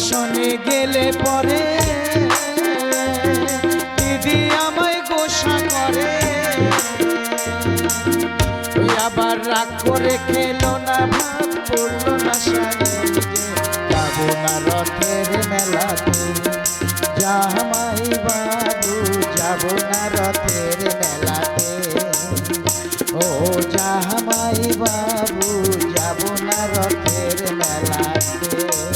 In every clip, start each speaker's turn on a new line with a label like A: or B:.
A: দর্শনে গেলে পরে দিদি আমায় গোসা করে, আবার রাগ করে খেলো না, ভাব পড়লো না সাজে, যাবো না রথের মেলাতে জামাই বাবু, যাবো না রথের মেলাতে, ও জামাই বাবু, যাবো না রথের মেলাতে।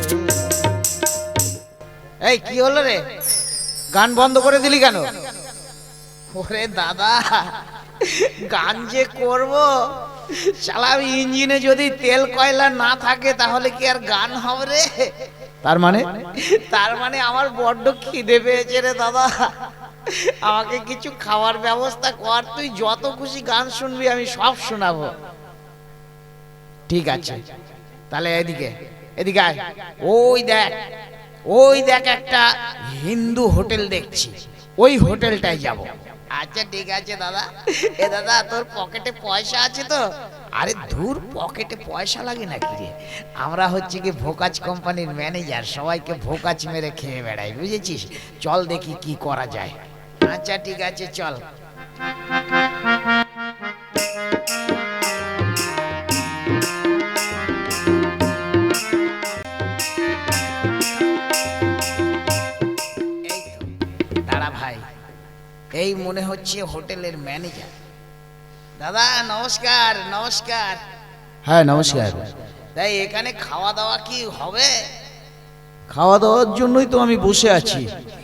A: এই কি হলো রে, গান বন্ধ করে দিলি কেন? ওরে দাদা, গান যে করব, শালা ইঞ্জিনে যদি তেল কয়লা না থাকে তাহলে কি আর গান হবে রে? তার মানে আমার বড্ড খিদে পেয়েছে রে দাদা, আমাকে কিছু খাওয়ার ব্যবস্থা কর। তুই যত খুশি গান শুনবি, আমি সব শোনাবো। ঠিক আছে, তাহলে এদিকে এদিকে আয়। ওই দেখ একটা হিন্দু হোটেল দেখছি, ওই হোটেলটায় যাব। আচ্ছা ঠিক আছে দাদা। এ দাদা, তোর পকেটে পয়সা আছে তো? আরে ধুর, পকেটে পয়সা লাগে নাকি রে? আমরা হচ্ছে কি ভোকাজ কোম্পানির ম্যানেজার, সবাইকে ভোকাজ মেরে খেয়ে বেড়াই, বুঝেছিস? চল দেখি কি করা যায়। আচ্ছা ঠিক আছে, চল। দাঁড়া ভাই, এই মনে হচ্ছে হোটেলের ম্যানেজার। দাদা নমস্কার। নমস্কার।
B: হ্যাঁ নমস্কার।
A: তাই এখানে খাওয়া দাওয়া কি হবে?
B: খাওয়া দাওয়ার জন্যই তো আমি বসে আছি।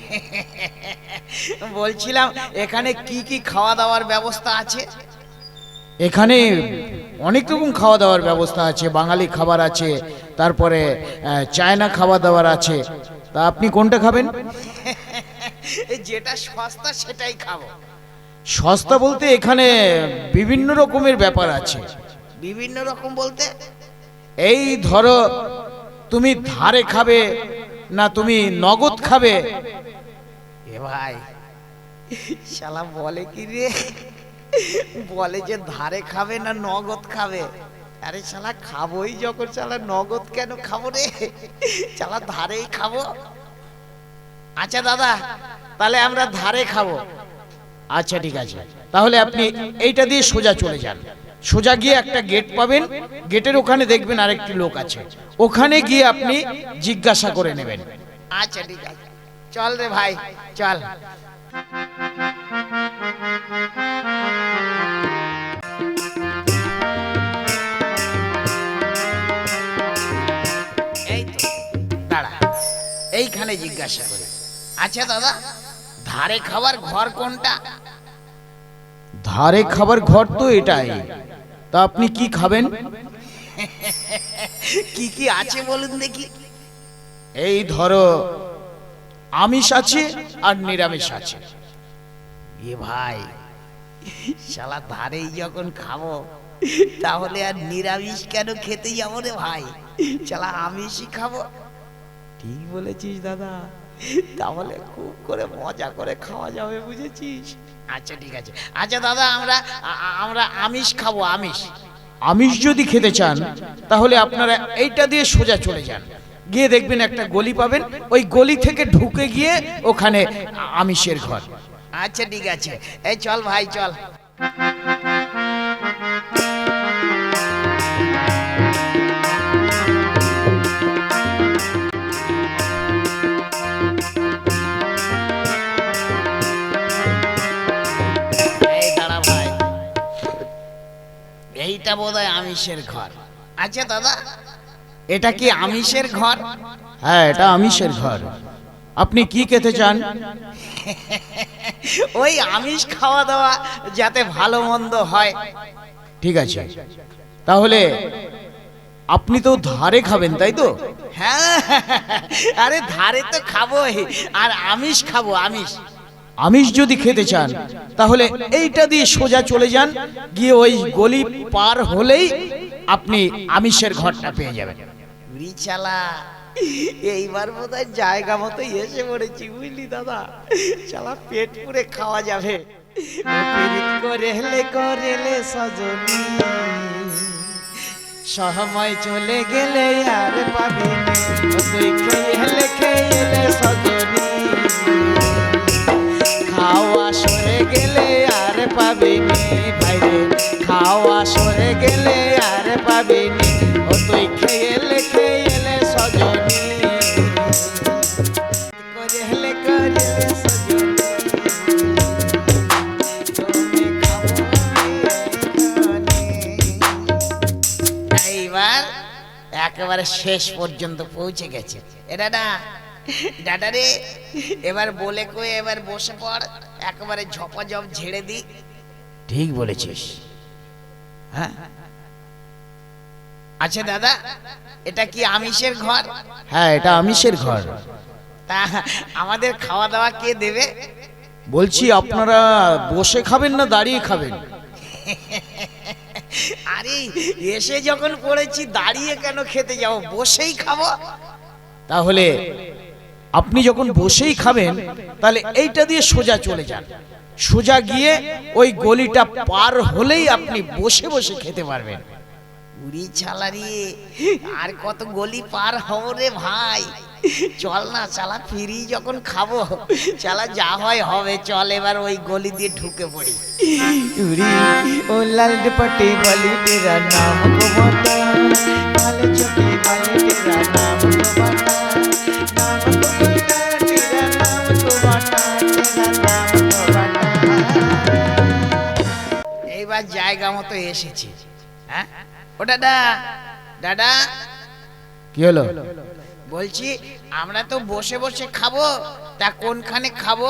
A: বলছিলাম এখানে কি কি খাওয়া দাওয়ার ব্যবস্থা আছে?
B: এখানে অনেক রকম খাওয়া দাওয়ার ব্যবস্থা আছে, বাঙালি খাবার আছে, তারপরে চায়না খাওয়া দাওয়ার আছে। তা আপনি কোনটা খাবেন?
A: যেটা সস্তা সেটাই খাবো।
B: সস্তা বলতে এখানে বিভিন্ন রকমের ব্যাপার আছে।
A: বিভিন্ন রকম বলতে?
B: এই ধরো, তুমি ধারে খাবে না তুমি নগদ খাবে?
A: এ ভাই, শালা বলে কি রে, বলে যে ধারে খাবে না নগদ খাবে। আরে শালা খাবোই যখন, শালা নগদ কেন খাবো রে, শালা ধারেই খাবো। আচ্ছা দাদা, তাহলে আমরা ধারে খাবো।
B: আচ্ছা ঠিক আছে, তাহলে আপনি এইটা দিয়ে সোজা চলে যান। সোজা গিয়ে একটা গেট পাবেন, গেটের ওখানে দেখবেন আরেকটি লোক আছে, ওখানে গিয়ে আপনি জিজ্ঞাসা করে নেবেন।
A: আচ্ছা ঠিক আছে, চল রে ভাই, চল। এই তো দাঁড়া, এইখানে জিজ্ঞাসা করে। আচ্ছা দাদা, ধারে খাবার ঘর কোনটা?
B: ধারে খাবার ঘর তো এটাই। তা আপনি কি খাবেন?
A: কি কি আছে বলুন দেখি।
B: এই ধরো, আমিষ আছে আর নিরামিষ আছে।
A: এ ভাই, শালা ধারেই যখন খাবো, তাহলে আর নিরামিষ কেন খেতে যাবো রে ভাই, শালা আমিষই খাবো। ঠিক বলেছিস দাদা, তাহলে খুব করে মজা করে খাওয়া যাবে, বুঝেছিস? আচ্ছা ঠিক আছে। আচ্ছা দাদা, আমরা আমিষ খাবো, আমিষ।
B: আমিষ যদি খেতে চান তাহলে আপনারা এইটা দিয়ে সোজা চলে যান, গিয়ে দেখবেন একটা গলি পাবেন, ওই গলি থেকে ঢুকে গিয়ে ওখানে আমিষের ঘর।
A: আচ্ছা ঠিক আছে, এই চল ভাই, চল। এই দাঁড়া ভাই, এইটা বোধহয় আমিষের ঘর। আচ্ছা দাদা, এটা কি আমিষের ঘর?
B: হ্যাঁ, এটা আমিষের ঘর। আপনি কি খেতে চান?
A: ওই আমিষ খাওয়া দাওয়া যাতে ভালো মন্দ হয়।
B: ঠিক আছে, তাহলে আপনি তো ধারে খাবেন, তাই তো?
A: হ্যাঁ, আরে ধারে তো খাবোই, আর আমিষ খাবো, আমিষ।
B: আমিষ যদি খেতে চান তাহলে এইটা দিয়ে সোজা চলে যান, গিয়ে ওই গলি পার হলেই আপনি আমিষের ঘরটা পেয়ে যাবেন।
A: রিচালা, এইবার বোধহয় জায়গা মতো এসে পড়েছি, বুঝলি দাদা? শালা পেট পুরে খাওয়া যাবে। করেলে করেলে সজনী,
B: সময় চলে গেলে আর পাবি নে, ও তুই খেলে খেলে সজনী, খাওয়া সরে গেলে আর পাবি নে ভাইরে, খাওয়া সরে গেলে আর পাবি নে, ও তুই খেলে খেলে সজনী, করেলে করেলে সজনী, তুমি খাবো এখানে।
A: এইবার একেবারে শেষ পর্যন্ত পৌঁছে গেছে। এটা না দাদা রে, এবার বলে কয়ে এবার বসে পড়, একেবারে ঝপাঝপ ঝেড়ে দি।
B: ঠিক বলেছিস।
A: হ্যাঁ আচ্ছা দাদা, এটা কি আমিষের ঘর?
B: হ্যাঁ, এটা আমিষের ঘর।
A: তা আমাদের খাওয়া দাওয়া কে দেবে?
B: বলছি আপনারা বসে খাবেন না দাঁড়িয়ে খাবেন?
A: আরে এসে যখন পড়েছি দাঁড়িয়ে কেন খেতে যাবো, বসেই খাবো।
B: তাহলে আপনি যখন বসেই খাবেন তাহলে এইটা দিয়ে সোজা চলে যান, সোজা গিয়ে ওই গলিটা পার হলেই আপনি বসে বসে খেতে পারবেন।
A: উড়ি ছালারি, আর কত গলি পার হব রে ভাই, চল না চালা, ফিরি যখন খাবো চালা, যা হয় হবে, চল এবার ওই গলি দিয়ে ঢুকে পড়ি।
B: उरी ओ लाल दुपट्टे वाली तेरा नाम को बता, काले चटे वाले तेरा नाम को बता, नाम को बता, तेरा नाम को बता, तेरा नाम को बता।
A: এইবার জায়গা মতো এসেছি। হ্যাঁ ও দাদা, দাদা
B: কি হলো?
A: বলছি আমরা তো বসে বসে খাবো, তা কোনখানে খাবো?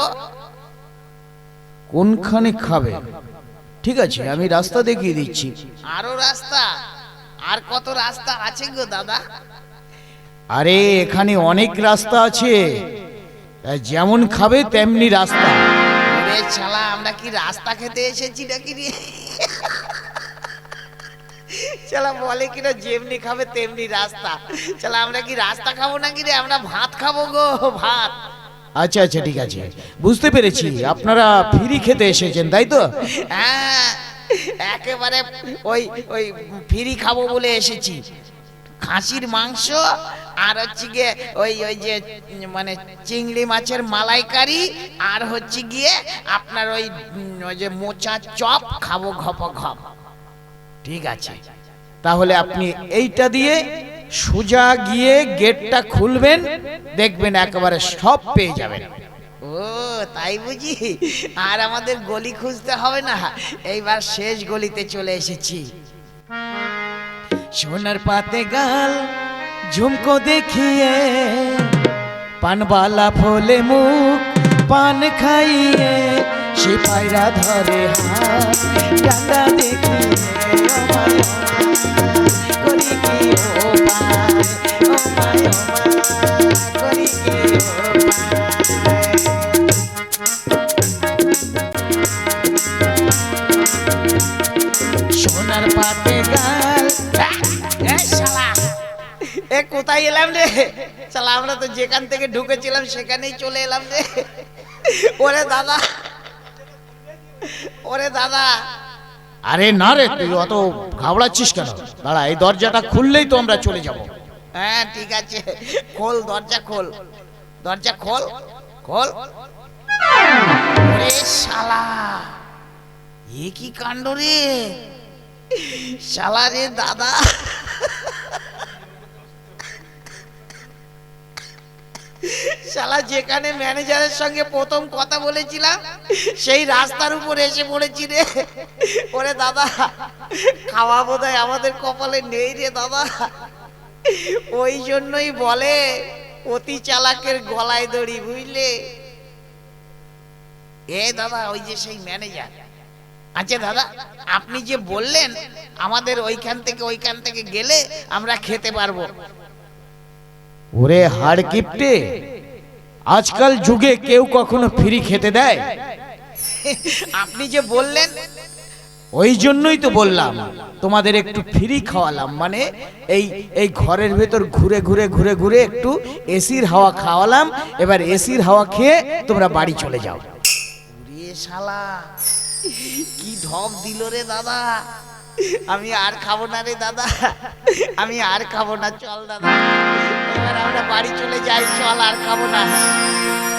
B: কোনখানে খাবে? ঠিক আছে, আমি রাস্তা দেখিয়ে দিচ্ছি।
A: আরো রাস্তা? আর কত রাস্তা আছে গো দাদা?
B: আরে এখানে অনেক রাস্তা আছে, যেমন খাবে তেমনি রাস্তা।
A: ওরে শালা, আমরা কি রাস্তা খেতে এসেছি নাকি রে? শালা বলে কিনা যেমনি খাবে তেমনি রাস্তা। শালা আমরা কি রাস্তা খাবো নাকি রে? আমরা ভাত খাবো গো, ভাত।
B: আচ্ছা আচ্ছা, ঠিক আছে, বুঝতে পেরেছি, আপনারা ফ্রি খেতে এসেছেন তাই তো?
A: হ্যাঁ একেবারে ওই ওই ফ্রি খাবো বলে এসেছি। খাসির মাংস আর হচ্ছে গিয়ে ওই ওই যে মানে চিংড়ি মাছের মালাইকারি, আর হচ্ছে গিয়ে আপনার ওই ওই যে মোচা চপ খাবো ঘপ ঘপ।
B: ঠিক আছে, তাহলে আপনি এইটা দিয়ে সোজা গিয়ে গেটটা খুলবেন, দেখবেন একেবারে সব পেয়ে যাবেন।
A: ও তাই বুঝি, আর আমাদের গলি খুঁজতে হবে না, এইবার শেষ গলিতে চলে এসেছি।
B: সোনার পাতে গাল ঝুমকো দেখিয়ে, পানবালা ফলে মুখ পান খাইয়ে, সে পায়রা ধরে হাত ডান্ডা দেখিয়ে, ও মায় করি কি ও পায়, ও মায় করি কি ও পায়। সোনার পাতে গাল,
A: এ শালা, এ কোথায় এলাম রে? শালা আমরা তো যেখান থেকে ঢুকেছিলাম সেখানেই চলে এলাম রে। ওরে দাদা, ওরে দাদা।
B: আরে না রে, তুই অত ঘাবড়াচ্ছিস কেন? দাঁড়া, এই দরজাটা খুললেই তো আমরা চলে যাব।
A: হ্যাঁ ঠিক আছে, খোল দরজা, খোল দরজা, খোল খোল। ওরে শালা, এ কি কাণ্ড রে শালা রে দাদা। শালা যেখানে ম্যানেজারের সঙ্গে প্রথম কথা বলেছিলাম সেই রাস্তার উপর এসে পড়েছি রে। ওরে দাদা, খাওয়া বোধহয় আমাদের কপালে নেই রে দাদা। ওই জন্যই বলে অতি চালাকের গলায় দড়ি, বুঝলে? এ দাদা, ওই যে সেই ম্যানেজার। আচ্ছা দাদা, আপনি যে বললেন আমাদের ওইখান থেকে গেলে আমরা খেতে পারবো।
B: ওরে হাড় কিপটে, আজকাল যুগে কেউ কখনো ফ্রি খেতে দেয়?
A: আপনি যে বললেন,
B: ওই জন্যই তো বললাম তোমাদের একটু ফ্রি খাওয়ালাম, মানে এই এই ঘরের ভেতর ঘুরে ঘুরে ঘুরে ঘুরে একটু এসির হাওয়া খাওয়ালাম, এবার এসির হাওয়া খেয়ে তোমরা বাড়ি চলে যাও।
A: শালা কি ঢপ দিল রে দাদা। আমি আর খাবো না রে দাদা, আমি আর খাবো না, চল দাদা এবার আমরা বাড়ি চলে যাই, চল আর খাবো না।